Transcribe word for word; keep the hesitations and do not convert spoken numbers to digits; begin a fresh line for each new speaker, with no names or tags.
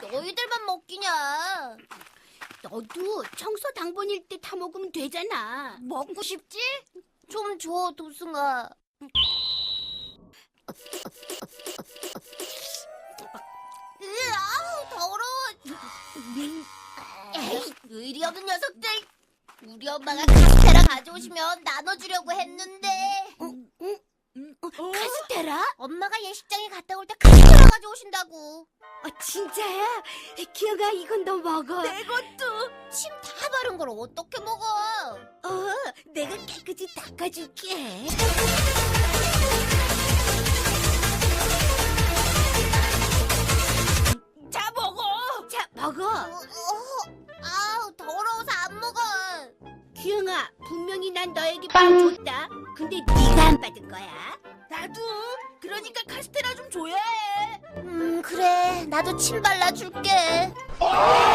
너희들만 먹기냐?
너도 청소 당번일 때 타 먹으면 되잖아.
먹고 싶지? 좀 줘, 도승아. 으, 아우, 더러워. 에이, 의리 없는 녀석들. 우리 엄마가 카스테라 가져오시면 나눠주려고 했는데.
어, 카스테라?
엄마가 예식장에 갔다 올 때 카스테라 가져오신다고.
어, 진짜야? 기영아, 이건 너 먹어.
내 것도. 침 다 바른 걸 어떻게 먹어?
어, 내가 깨끗이 닦아줄게.
자, 먹어.
자, 먹어.
어, 어, 아우, 더러워서 안 먹어.
기영아, 분명히 난 너에게 빵 줬다. 근데 네가 안 받은 거야.
나도. 그러니까 카스테라 좀 줘야 해. 음, 그래. 나도 침 발라줄게.